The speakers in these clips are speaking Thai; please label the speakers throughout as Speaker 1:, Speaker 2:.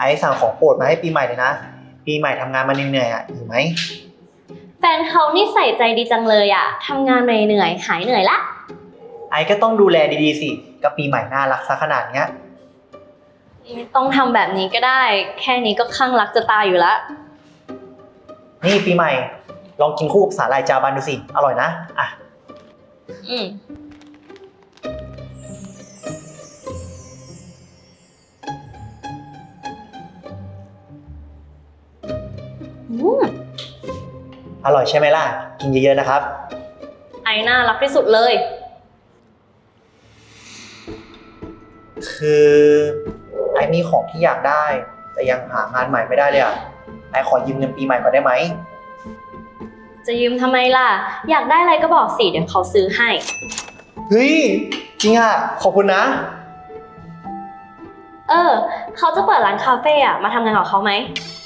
Speaker 1: สั่งของโปรดมาให้ปีใหม่เลยนะปีใหม่ทำงานมาเหนื่อยๆหิวไหม
Speaker 2: แฟนเขานี่ใส่ใจดีจังเลยอะทำงานเหนื่อยหายเหนื่อยละ
Speaker 1: ก็ต้องดูแลดีๆสิกับปีใหม่น่ารักซะขนาดเนี้ย
Speaker 2: ไม่ต้องทำแบบนี้ก็ได้ แค่นี้ก็คลั่งรักจะตายอยู่ละ
Speaker 1: นี่ปีใหม่ลองกินคู่กับสาหร่ายจาบันดูสิอร่อยนะ
Speaker 2: อืม
Speaker 1: อร่อยใช่ไหมล่ะกินเยอะๆนะครับ
Speaker 2: น่ารักที่สุดเลย
Speaker 1: คือมีของที่อยากได้แต่ยังหางานใหม่ไม่ได้เลยอ่ะขอยืมเงินปีใหม่ก่อนได้ไหม
Speaker 2: จะยืมทำไมล่ะอยากได้อะไรก็บอกสิเดี๋ยวเขาซื้อให้
Speaker 1: เฮ้ยจริงอ่ะขอบคุณนะ
Speaker 2: เขาจะเปิดร้านคาเฟ่อะมาทำงานกับเขาไหม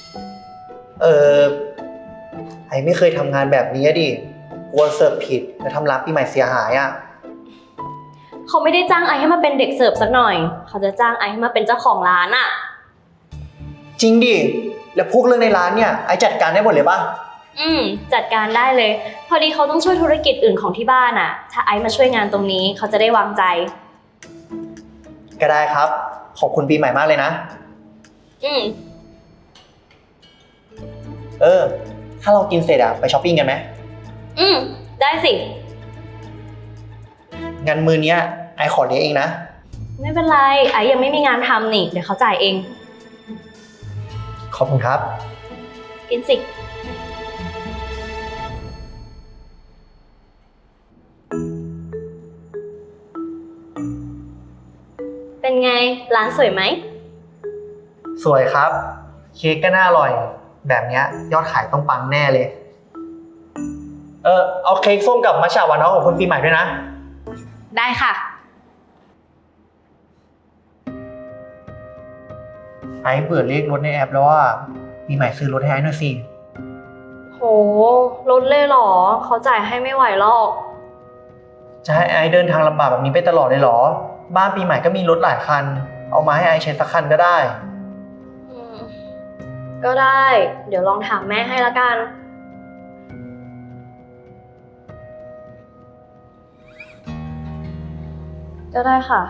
Speaker 1: ไม่เคยทำงานแบบนี้ดิกลัวเสิร์ฟผิดแล้วทำร้านปีใหม่เสียหายอ่ะ
Speaker 2: เขาไม่ได้จ้างให้มาเป็นเด็กเสิร์ฟสักหน่อยเขาจะจ้างให้มาเป็นเจ้าของร้านอะ
Speaker 1: จริงดิแล้วพวกเรื่องในร้านเนี่ยจัดการได้หมดเลยป่ะ
Speaker 2: จัดการได้เลยพอดีเขาต้องช่วยธุรกิจอื่นของที่บ้านอะถ้ามาช่วยงานตรงนี้เขาจะได้วางใจ
Speaker 1: ก็ได้ครับขอบคุณปีใหม่มากเลยนะถ้าเรากินเสร็จไปช้อปปิ้งกันไหม
Speaker 2: ได้สิ
Speaker 1: งั้นมื้อนี้ขอเลี้ยงเองนะ
Speaker 2: ไม่เป็นไรยังไม่มีงานทำนี่เดี๋ยวเขาจ่ายเอง
Speaker 1: ขอบคุณครับ
Speaker 2: กินสิเป็นไงร้านสวยไหม
Speaker 1: สวยครับเค้กก็น่าอร่อยแบบนี้ยอดขายต้องปังแน่เลยเอาเค้กส้มกับมัทฉะหวานน้อยของคุณปีใหม่ด้วยนะ
Speaker 2: ได้ค่ะ
Speaker 1: เบื่อเลขรถในแอปแล้วว่าปีใหม่ซื้อรถให้หน่อยสิ
Speaker 2: โหรถเลยเหรอเขาจ่ายให้ไม่ไหวหรอก
Speaker 1: จะให้เดินทางลำบากแบบนี้ไปตลอดเลยเหรอบ้านปีใหม่ก็มีรถหลายคันเอามาให้ใช้สักคันก็ได้
Speaker 2: ก็ได้เดี๋ยวลองถามแม่ให้ละกันก็ได้ค่ะ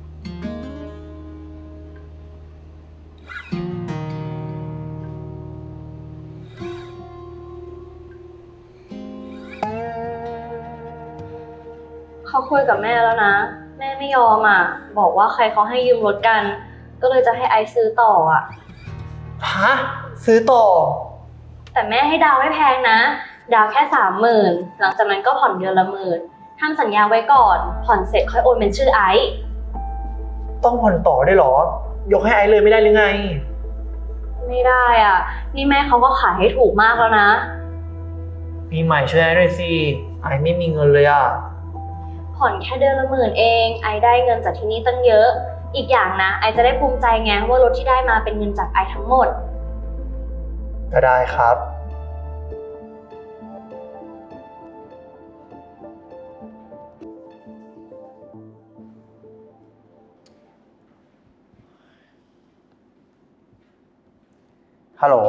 Speaker 2: เขาคุยกับแม่แล้วนะแม่ไม่ยอมบอกว่าใครเขาให้ยืมรถกันก็เลยจะให้ซื้อต่อ
Speaker 1: ฮะซื้อต่อ
Speaker 2: แต่แม่ให้ดาวไม่แพงนะดาวแค่30,000หลังจากนั้นก็ผ่อนเดือนละ10,000ทำสัญญาไว้ก่อนผ่อนเสร็จค่อยโอนเป็นชื่อ
Speaker 1: ต้องผ่อนต่อได้หรอยกให้เลยไม่ได้หรือไง
Speaker 2: ไม่ได้นี่แม่เขาก็ขายให้ถูกมากแล้วนะ
Speaker 1: ปีใหม่ช่วยด้วยสิไม่มีเงินเลย
Speaker 2: ผ่อนแค่เดือนละ10,000เองได้เงินจากที่นี่ตั้งเยอะอีกอย่างนะจะได้ภูมิใจไงว่ารถที่ได้มาเป็นเงินจากทั้งหมด
Speaker 1: ก็ได้ครับฮัลโหล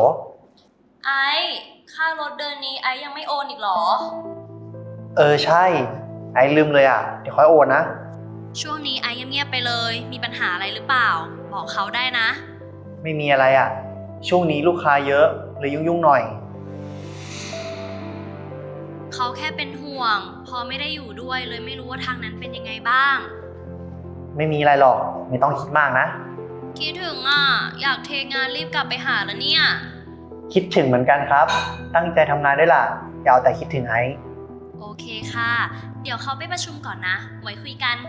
Speaker 2: ค่ารถเดือนนี้ยังไม่โอนอีกหรอ
Speaker 1: ใช่ลืมเลยเดี๋ยวค่อยโอนนะ
Speaker 2: ช่วงนี้เงียบๆไปเลยมีปัญหาอะไรหรือเปล่าบอกเขาได้นะ
Speaker 1: ไม่มีอะไรช่วงนี้ลูกค้าเยอะเลยยุ่งๆหน่อย
Speaker 2: เขาแค่เป็นห่วงพอไม่ได้อยู่ด้วยเลยไม่รู้ว่าทางนั้นเป็นยังไงบ้าง
Speaker 1: ไม่มีอะไรหรอกไม่ต้องคิดมากนะ
Speaker 2: คิดถึงอยากเทงานรีบกลับไปหาแล้วเนี่ย
Speaker 1: คิดถึงเหมือนกันครับตั้งใจทำงานด้วยล่ะอย่าเอาแต่คิดถึง
Speaker 2: โอเคค่ะเดี๋ยวเขาไปประชุมก่อนนะไว้คุยกัน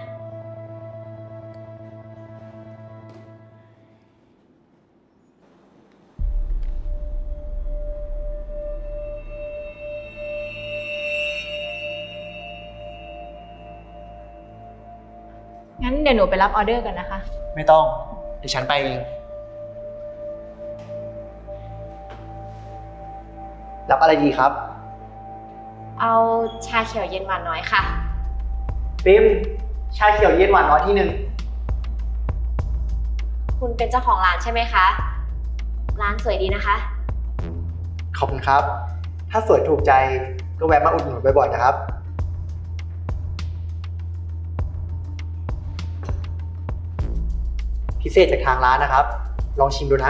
Speaker 3: งั้นเดี๋ยวหนูไปรับออเดอร์กันนะคะ
Speaker 1: ไม่ต้องเดี๋ยวฉันไปเองรับอะไรดีครับ
Speaker 3: เอาชาเขียวเย็นหวานน้อยค่ะ
Speaker 1: ปิ๊มชาเขียวเย็นหวานน้อยที่1
Speaker 3: คุณเป็นเจ้าของร้านใช่ไหมคะร้านสวยดีนะคะ
Speaker 1: ขอบคุณครับ ถ้าสวยถูกใจก็แวะมาอุดหนุนบ่อยๆนะครับ พิเศษจากทางร้านนะครับ ลองชิมดูนะ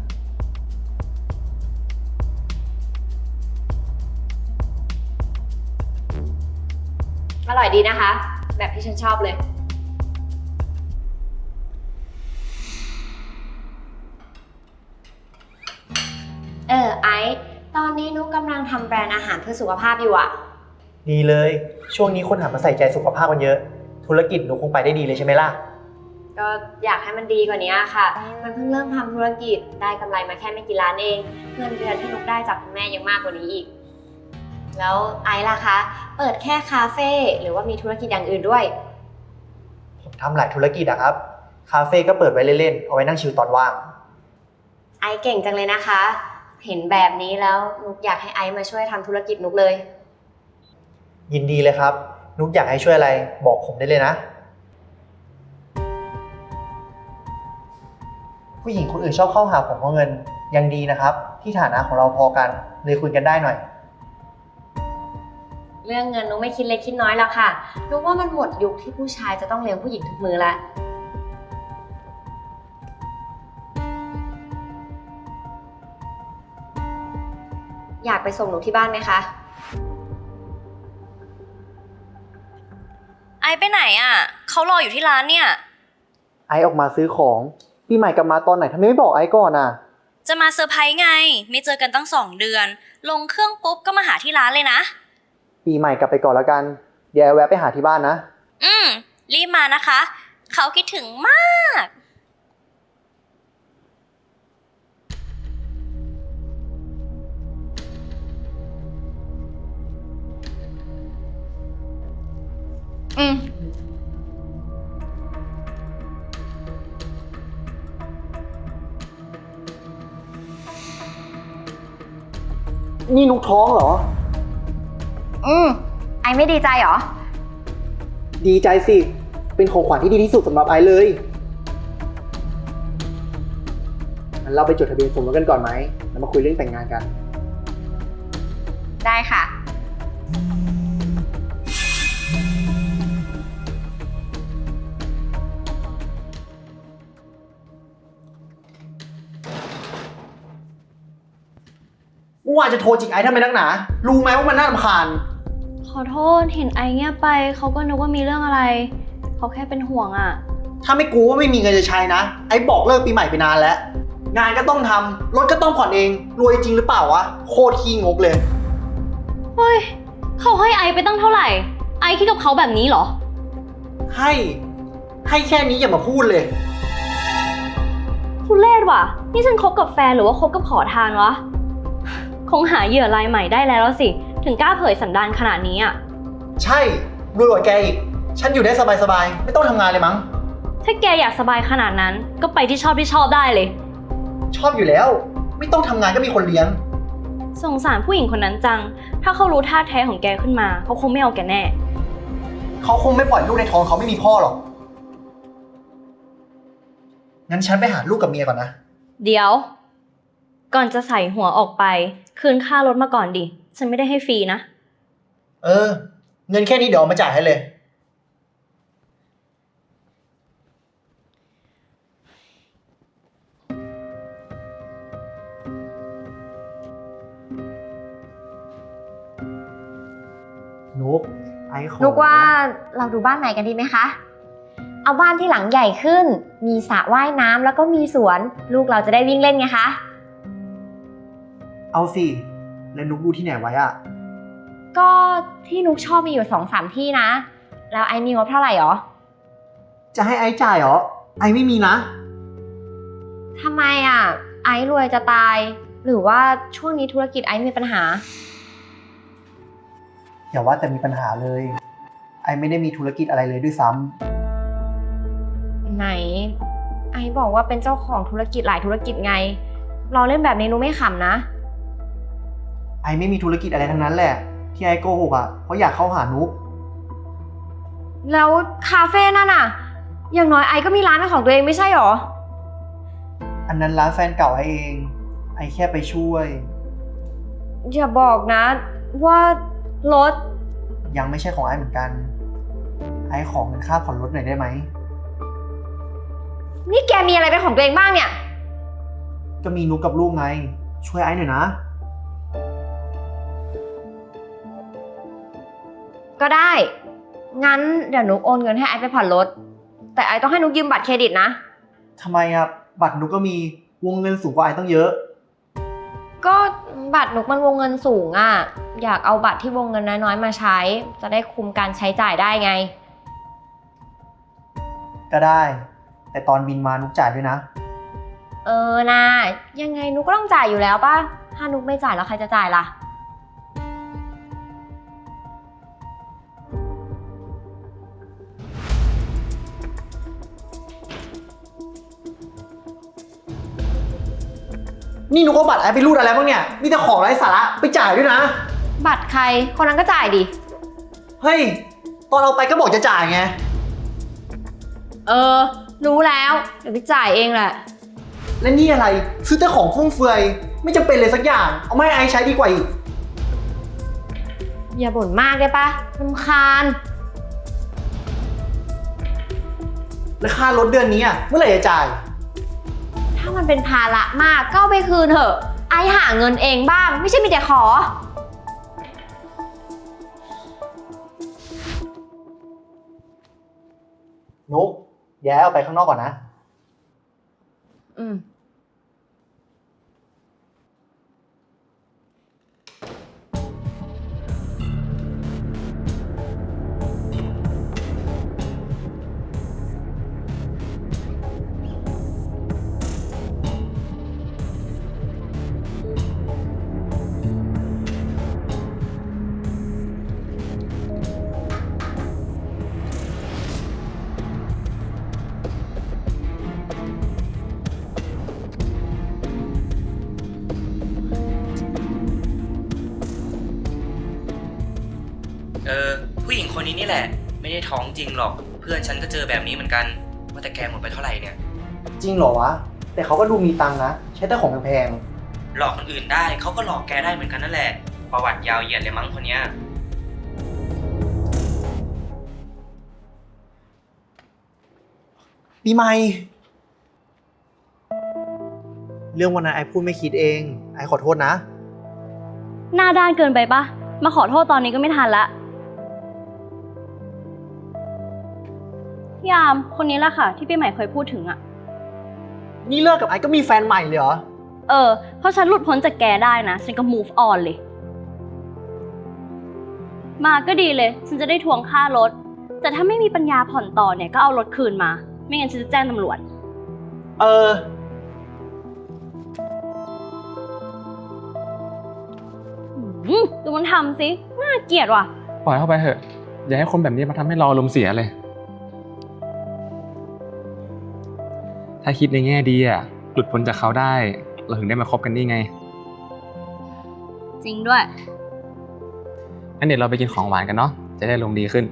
Speaker 3: อร่อยดีนะคะ แบบที่ฉันชอบเลย ไอซ์ตอนนี้นุกกำลังทำแบรนด์อาหารเพื่อสุขภาพอยู่อะ
Speaker 1: ดีเลย ช่วงนี้คนหันมาใส่ใจสุขภาพกันเยอะ ธุรกิจหนูคงไปได้ดีเลยใช่ไหมล่ะ
Speaker 3: ก็อยากให้มันดีกว่านี้ค่ะ มันเพิ่งเริ่มทำธุรกิจได้กำไรมาแค่ไม่กี่ล้านเอง เงินเดือนที่นุกได้จากคุณแม่ยังมากกว่านี้อีก แล้วไอซ์ล่ะคะ เปิดแค่คาเฟ่หรือว่ามีธุรกิจอย่างอื่นด้วย
Speaker 1: ผมทำหลายธุรกิจอะครับ คาเฟ่ก็เปิดไว้เล่นๆ เอาไว้นั่งชิลตอนว่าง
Speaker 3: ไอซ์เก่งจังเลยนะคะ เห็นแบบนี้แล้วนุกอยากให้ไอซ์มาช่วยทำธุรกิจนุกเลย
Speaker 1: ยินดีเลยครับ นุกอยากให้ช่วยอะไรบอกผมได้เลยนะ ผู้หญิงคนอื่นชอบเข้าหาผมเพราะเงินยังดีนะครับ ที่ฐานะของเราพอกันเลยคุยกันได้หน่อย
Speaker 3: เรื่องเงินนุกไม่คิดเล็กคิดน้อยแล้วค่ะนุกว่ามันหมดยุคที่ผู้ชายจะต้องเลี้ยงผู้หญิงทุกมื้อแล้ว อยากไปส่งหนูที่บ้านไหมคะ
Speaker 2: ไอไปไหนอ่ะเขารออยู่ที่ร้านเนี่ย
Speaker 1: ไอซ์ออกมาซื้อของปีใหม่กลับมาตอนไหนทำไมไม่บอกไอซ์ก่อนอ่ะ
Speaker 2: จะมาเซอร์ไพรส์ไง ไม่เจอกันตั้ง2 เดือน ลงเครื่องปุ๊บก็มาหาที่ร้านเลยนะ
Speaker 1: ปีใหม่กลับไปก่อนแล้วกัน เดี๋ยวไอซ์แวะไปหาที่บ้านนะ
Speaker 2: รีบมานะคะ เขาคิดถึงมาก
Speaker 1: นี่นุกท้องเหรอ
Speaker 3: ไอไม่ดีใจเหรอ
Speaker 1: ดีใจสิ เป็นของขวัญที่ดีที่สุดสำหรับไอซ์เลยงั้นเราไปจดทะเบียนสมรสกันก่อนไหม แล้วมาคุยเรื่องแต่งงานกัน
Speaker 3: ได้ค่ะ
Speaker 1: เมื่อวานจะโทรจิกไอซ์ทำไมนักหนา รู้ไหมว่ามันน่ารำคาญ
Speaker 2: ขอโทษ เห็นไอเงียบไป เขาก็นึกว่ามีเรื่องอะไร เขาแค่เป็นห่วงอ่ะ
Speaker 1: ถ้าไม่กูว่าไม่มีเงินจะใช้นะ ไอ้บอกเลิกปีใหม่ไปนานแล้ว งานก็ต้องทำรถก็ต้องผ่อนเอง รวยจริงหรือเปล่าวะ โคตรขี้งกเลย
Speaker 2: เฮ้ย เขาให้ไอไปตั้งเท่าไหร่ ไอคิดกับเขาแบบนี้เหรอ
Speaker 1: ให้แค่นี้อย่ามาพูดเลย
Speaker 2: ทุเรศว่ะ นี่ฉันคบกับแฟนหรือว่าคบกับขอทานวะ คงหาเหยื่อรายใหม่ได้แล้วสิ ถึงกล้าเผยสันดานขนาดนี้อ่ะ
Speaker 1: ใช่รวยกว่าแกอีก ฉันอยู่ได้สบายๆ ไม่ต้องทำงานเลยมั้ง
Speaker 2: ถ้าแกอยากสบายขนาดนั้น ก็ไปที่ชอบได้เลย
Speaker 1: ชอบอยู่แล้ว ไม่ต้องทำงานก็มีคนเลี้ยง
Speaker 2: สงสารผู้หญิงคนนั้นจัง ถ้าเขารู้ท่าแท้ของแกขึ้นมา เขาคงไม่เอาแกแน่
Speaker 1: เขาคงไม่ปล่อยลูกในท้องเขาไม่มีพ่อหรอก งั้นฉันไปหาลูกกับเมียก่อนนะ
Speaker 2: เดี๋ยว ก่อนจะใส่หัวออกไป คืนค่ารถมาก่อนดิ ฉันไม่ได้ให้ฟรีนะ
Speaker 1: เงินแค่นี้เดี๋ยวเอามาจ่ายให้เลย นุกไอ้ขอ
Speaker 3: นุกว่าเราดูบ้านใหม่กันดีไหมคะ เอาบ้านที่หลังใหญ่ขึ้น มีสระว่ายน้ำแล้วก็มีสวน ลูกเราจะได้วิ่งเล่นไงคะ
Speaker 1: เอาสิ แล้วนุกดูที่ไหนไว้อะ
Speaker 3: ก็ที่นุกชอบมีอยู่2-3ที่นะ แล้วไอมีงบเท่าไหร่หรอ
Speaker 1: จะให้ไอ้จ่ายเหรอ ไอ้ไม่มีนะ
Speaker 3: ทำไมอ่ะ ไอรวยจะตาย หรือว่าช่วงนี้ธุรกิจไอมีปัญหา
Speaker 1: อย่าว่าแต่มีปัญหาเลย ไอ้ไม่ได้มีธุรกิจอะไรเลยด้วยซ้ำ
Speaker 3: ไหน ไอบอกว่าเป็นเจ้าของธุรกิจหลายธุรกิจไง เราเล่นแบบนี้นุกไม่ขำนะ
Speaker 1: ไอ้ไม่มีธุรกิจอะไรทั้งนั้นแหละ ที่ไอ้โกหกอ่ะ เพราะอยากเข้าหานุก
Speaker 3: แล้วคาเฟ่นั่นอ่ะ อย่างน้อยไอก็มีร้านเป็นของตัวเองไม่ใช่หรอ
Speaker 1: อันนั้นร้านแฟนเก่าไอ้เองไอ้แค่ไปช่วย
Speaker 3: อย่าบอกนะว่ารถ
Speaker 1: ยังไม่ใช่ของไอ้เหมือนกัน ไอ้ขอเงินค่าผ่อนรถหน่อยได้ไหม
Speaker 3: นี่แกมีอะไรเป็นของตัวเองบ้างเนี่ย
Speaker 1: ก็มีนุกกับลูกไง ช่วยไอ้หน่อยนะ
Speaker 3: ก็ได้ งั้นเดี๋ยวนุกโอนเงินให้ไอซ์ไปผ่อนรถ แต่ไอซ์ต้องให้นุกยืมบัตรเครดิตนะ
Speaker 1: ทำไมอะบัตรนุกก็มีวงเงินสูงกว่าไอ้ต้องเยอะ
Speaker 3: ก็บัตรนุกมันวงเงินสูงอ่ะ อยากเอาบัตรที่วงเงินน้อยๆมาใช้ จะได้คุมการใช้จ่ายได้ไง
Speaker 1: ก็ได้ แต่ตอนบินมานุกจ่ายด้วยนะ
Speaker 3: นะยังไงนุกก็ต้องจ่ายอยู่แล้วป่ะ ถ้านุกไม่จ่ายแล้วใครจะจ่ายล่ะ
Speaker 1: นี่นุกเอาบัตรไอ้ไปรูดอะไรบ้างเนี่ย มีแต่ของไร้สาระไปจ่ายด้วยนะ
Speaker 3: บัตรใคร คนนั้นก็จ่ายดิ
Speaker 1: เฮ้ย ตอนเอาไปก็บอกจะจ่ายไง
Speaker 3: รู้แล้ว เดี๋ยวไปจ่ายเองแหละ
Speaker 1: และนี่อะไร ซื้อแต่ของฟุ่มเฟือย ไม่จำเป็นเลยสักอย่าง เอาไม่ไอ้ใช้ดีกว่าอีก
Speaker 3: อย่าบ่นมากได้ปะรำคาญ
Speaker 1: แล้วค่ารถเดือนนี้อะเมื่อไหร่จะจ่าย
Speaker 3: ถ้ามันเป็นภาระมากก็เอาไปคืนเถอะ ไอหาเงินเองบ้าง ไม่ใช่มีแต่ขอ
Speaker 1: นุกแย้เอาไปข้างนอกก่อนนะ
Speaker 3: อืม
Speaker 4: ผู้หญิงคนนี้นี่แหละ ไม่ได้ท้องจริงหรอก เพื่อนฉันก็เจอแบบนี้เหมือนกัน ว่าแต่แกหมดไปเท่าไหร่เนี่ย
Speaker 1: จริงเหรอวะ แต่เขาก็ดูมีตังค์นะ ใช้แต่ของแพง
Speaker 4: หลอกคนอื่นได้เขาก็หลอกแกได้เหมือนกันนั่นแหละ ประวัติยาวเหยียดเลยมั้งคนเนี้ย
Speaker 1: ๆปีใหม่ เรื่องวันนั้นไอ้พูดไม่คิดเอง ไอ้ขอโทษนะ
Speaker 2: หน้าด้านเกินไปปะมาขอโทษตอนนี้ก็ไม่ทันละพี่ยามคนนี้แหละค่ะ ที่พี่ใหม่เคยพูดถึงอะ
Speaker 1: นี่เลิกกับไอ้ก็มีแฟนใหม่เลยเหรอ
Speaker 2: เพราะฉันหลุดพ้นจากแกได้นะ ฉันก็ move on เลย มาก็ดีเลย ฉันจะได้ทวงค่ารถ แต่ถ้าไม่มีปัญญาผ่อนต่อเนี่ยก็เอารถคืนมา ไม่งั้นฉันจะแจ้งตำรวจ ดูมันทำสิ น่าเกลียดว่ะ
Speaker 5: ปล่อยเข้าไปเถอะ อย่าให้คนแบบนี้มาทำให้เราอารมณ์เสียเลย ถ้าคิดในแง่ดีอ่ะ หลุดพ้นจากเขาได้ เราถึงได้มาคบกันนี่ไง
Speaker 2: จริงด้วย
Speaker 5: งั้นเดี๋ยวเราไปกินของหวานกันเนาะ จะได้ลมณ์ดีขึ้น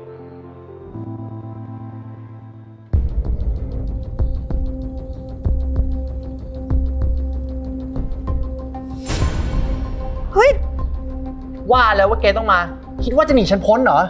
Speaker 1: เฮ้ย ว่าแล้วว่าแกต้องมา คิดว่าจะหนีฉันพ้นเหรอ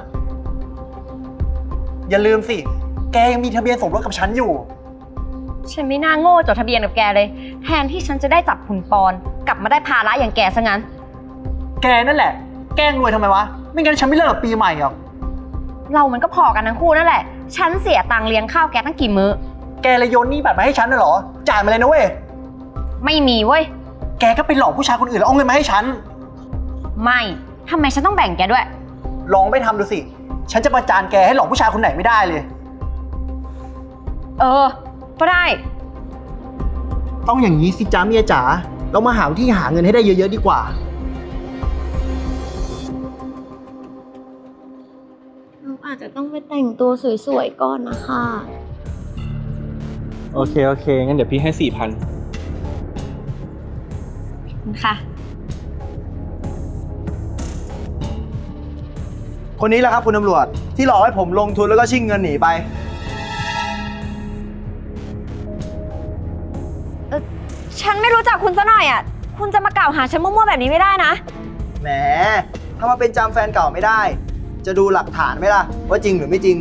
Speaker 1: อย่าลืมสิ แกยังมีทะเบียนสมรสกับฉันอยู่
Speaker 3: ฉันไม่น่าโง่จดทะเบียนกับแกเลย แทนที่ฉันจะได้จับหุ่นปอน กลับมาได้ภาระอย่างแกซะงั้น
Speaker 1: แกนั่นแหละ แกล้งรวยทำไมวะ ไม่งั้นฉันไม่เลิกกับปีใหม่หรอก
Speaker 3: เรามันก็พอกันทั้งคู่นั่นแหละ ฉันเสียตังค์เลี้ยงข้าวแกตั้งกี่มื้อ
Speaker 1: แกเลยโยนหนี้บัตรมาให้ฉันน่ะเหรอ จ่ายมาเลยนะเว้ย
Speaker 3: ไม่มีเว้ย
Speaker 1: แกก็ไปหลอกผู้ชายคนอื่นแล้วเอาเงินมาให้ฉัน
Speaker 3: ไม่ทำไมฉันต้องแบ่งแกด้วย
Speaker 1: ลองไปทำดูสิ ฉันจะประจานแกให้หลอกผู้ชายคนไหนไม่ได้เลย
Speaker 3: ก็ได้
Speaker 1: ต้องอย่างนี้สิจ้าเมียจ๋า เรามาหาวิธีหาเงินให้ได้เยอะๆดีกว่า
Speaker 3: เราอาจจะต้องไปแต่งตัวสวยๆก่อนนะคะ
Speaker 5: โอเค งั้นเดี๋ยวพี่ให้ 4,000
Speaker 3: ค่ะ
Speaker 1: คนนี้แหละครับคุณตำรวจ ที่หลอกให้ผมลงทุนแล้วก็ชิงเงินหนีไป
Speaker 3: ฉันไม่รู้จักคุณซะหน่อยอ่ะ คุณจะมากล่าวหาฉันมั่วๆแบบนี้ไม่ได้นะ
Speaker 1: แหมถ้ามาเป็นจำแฟนเก่าไม่ได้ จะดูหลักฐานไหมล่ะ ว่าจริงหรือไม่จริง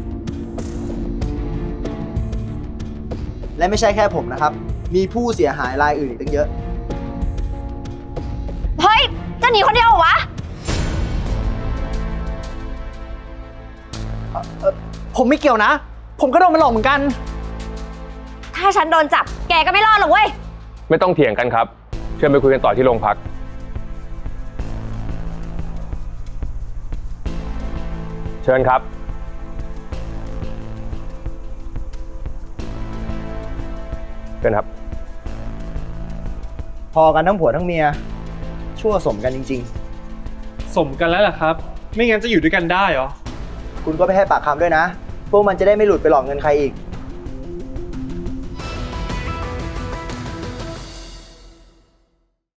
Speaker 1: และไม่ใช่แค่ผมนะครับ มีผู้เสียหายรายอื่นอีกตั้งเยอะ
Speaker 3: เฮ้ย จะหนีคนเดียวเหรอวะ
Speaker 1: ผมไม่เกี่ยวนะ ผมก็โดนมันหลอกเหมือนกัน
Speaker 3: ถ้าฉันโดนจับ แกก็ไม่รอดหรอกเว้ย
Speaker 6: ไม่ต้องเถียงกันครับ เชิญไปคุยกันต่อที่โรงพัก เชิญครับ เชิญครับ
Speaker 1: พอกันทั้งผัวทั้งเมีย ชั่วสมกันจริง
Speaker 7: สมกันแล้วล่ะครับ ไม่งั้นจะอยู่ด้วยกันได้เหรอ
Speaker 1: ๆ คุณก็ไปให้ปากคำด้วยนะ พวกมันจะได้ไม่หลุดไปหลอกเงินใครอีก